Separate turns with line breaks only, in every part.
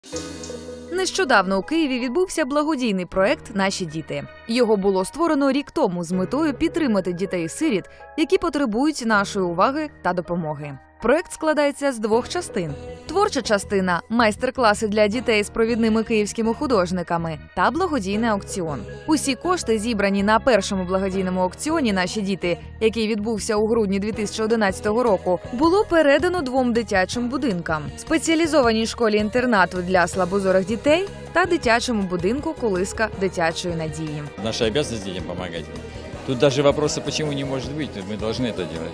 Нещодавно у Києві відбувся благодійний проект «Наші діти». Його було створено рік тому з метою підтримати дітей-сиріт, які потребують нашої уваги та допомоги. Проект складається з двох частин. Творча частина – майстер-класи для дітей з провідними київськими художниками та благодійний аукціон. Усі кошти, зібрані на першому благодійному аукціоні «Наші діти», який відбувся у грудні 2011 року, було передано двом дитячим будинкам – спеціалізованій школі-інтернату для слабозорих дітей та дитячому будинку «Колиска дитячої надії».
Наша обязанность детям помогать. Тут даже вопроса, почему не может быть, мы должны это делать.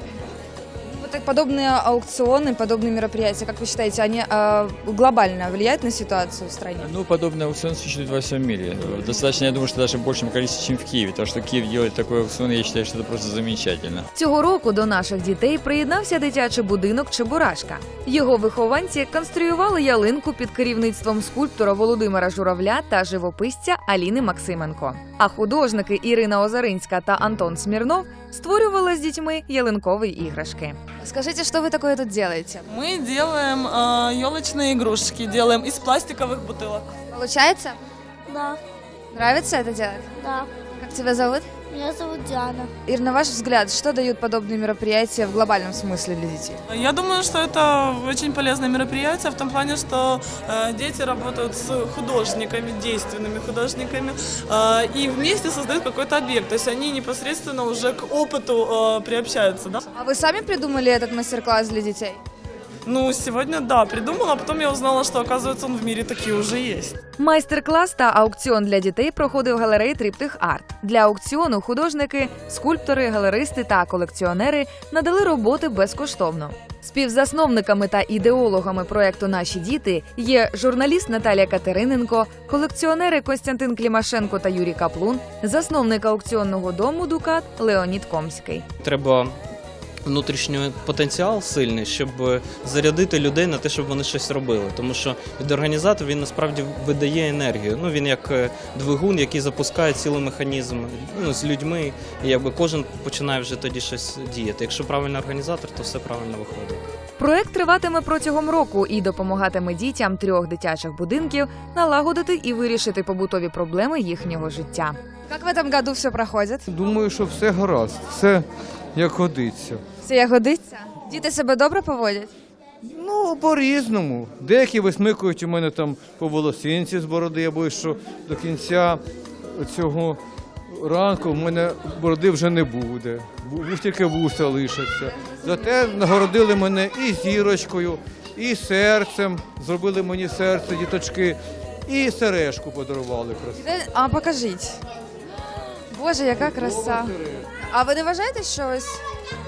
Вот так подобные аукционы, подобные мероприятия, как вы считаете, они глобально влияют на ситуацию в стране?
Ну, подобный аукцион существует во всем мире. Достаточно, я думаю, что даже в большем количестве, чем в Киеве. То, что Киев делает такой аукцион, я считаю, что это просто замечательно.
Цього року до наших дітей приєднався дитячий будинок «Чебурашка». Його вихованці конструювали ялинку під керівництвом скульптора Володимира Журавля та живописця Аліни Максименко. А художники Ірина Озаринська та Антон Смірнов створювали з дітьми ялинкові іграшки.
Скажите, что вы такое тут делаете?
Мы делаем елочные игрушки, делаем из пластиковых бутылок.
Получается?
Да,
Нравится это делать?
да.
Как тебя зовут?
Меня зовут Диана.
Ир, на ваш взгляд, что дают подобные мероприятия в глобальном смысле для детей?
Я думаю, что это очень полезное мероприятие в том плане, что дети работают с художниками, действенными художниками, и вместе создают какой-то объект. То есть они непосредственно уже к опыту приобщаются. Да?
А вы сами придумали этот мастер-класс для детей?
Ну, сегодня, да, придумала, а потом я узнала, что, оказывается, он в мире такие уже есть.
Майстер-клас та аукціон для дітей проходив в галереї «Триптих Арт». Для аукціону художники, скульптори, галеристи та колекціонери надали роботи безкоштовно. Співзасновниками та ідеологами проекту «Наші діти» є журналіст Наталія Катериненко, колекціонери Костянтин Клімашенко та Юрій Каплун, засновник аукціонного дому «Дукат» Леонід Комський.
Треба внутрішній потенціал сильний, щоб зарядити людей на те, щоб вони щось робили. Тому що від організатора він насправді видає енергію. Ну, він як двигун, який запускає цілий механізм з людьми, і якби кожен починає вже тоді щось діяти. Якщо правильний організатор, то все правильно виходить.
Проект триватиме протягом року і допомагатиме дітям 3 дитячих будинків налагодити і вирішити побутові проблеми їхнього життя.
Как в этом году все проходит?
Думаю, що все гаразд, все як годиться.
Все як годиться? Діти себе добре поводять?
Ну, по-різному. Деякі висмикують у мене там по волосинці з бороди, я боюсь, що до кінця цього ранку в мене бороди вже не буде. Тільки вуса лишаться. Зате нагородили мене і зірочкою, і серцем, зробили мені серце, діточки, і сережку подарували красиву.
А покажіть. Боже, яка краса. А ви не вважаєте, що ось...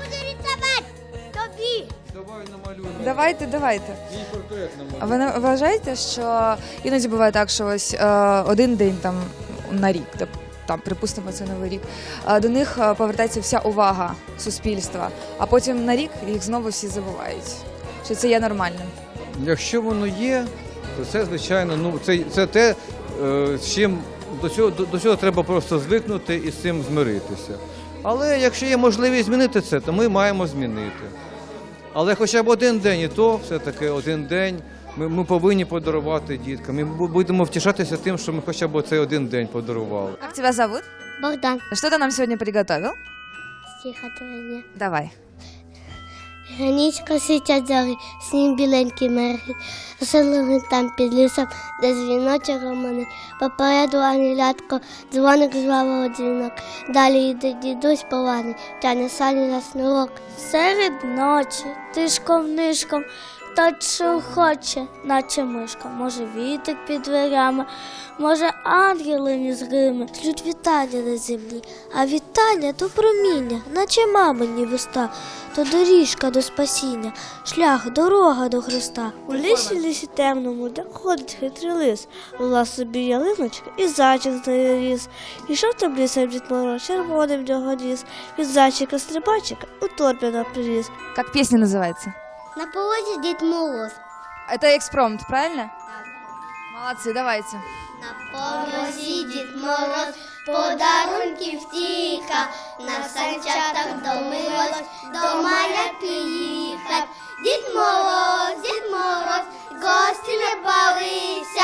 Давай намалюємо.
Давайте.
Мій портрет намалюємо.
А ви не вважаєте, що іноді буває так, що ось один день там на рік, там, припустимо, це Новий рік, до них повертається вся увага суспільства, а потім на рік їх знову всі забувають, що це є нормальним.
Якщо воно є, то це, звичайно, це те, з чим до цього треба просто звикнути і з цим змиритися. Але якщо є можливість змінити це, то ми маємо змінити. Але хоча б один день, і то все-таки один день ми повинні подарувати діткам. Ми будемо втішатися тим, що ми хоча б цей один день подарували.
Как тебя зовут?
Богдан.
Что ты нам сегодня приготовил?
Стихотворення.
Давай.
Гранічка світять зорі, снім біленький мерехтить, розсилили там під лісом, де дзвіночок гомонить. Попереду ангелятко, дзвоник звабив дзвінок. Далі йде дідусь поважний, тяне сані на снурок. Серед ночі, тишком-нишком, тот, що хоче, наче мишка. Може вітик під дверями, може ангели незримі шлють вітання на землі. А вітання то проміння, наче мамині вуста, то доріжка до спасіння, шлях, дорога до Христа. У лісі темному, де ходить хитрий лис, була собі ялиночка і зайчик з нею ріс. Ішов там лісом Дід Мороз, червоний в нього ніс, від зайчика-стрибачика у торбі наприліз.
Как песня называется?
На полозі Дід Мороз.
Это экспромт, правильно? Молодці, давайте.
На порозі Дід Мороз, подарунків тіка, на санчатах домилось, до маля приїхав. Дід Мороз, гості не балися,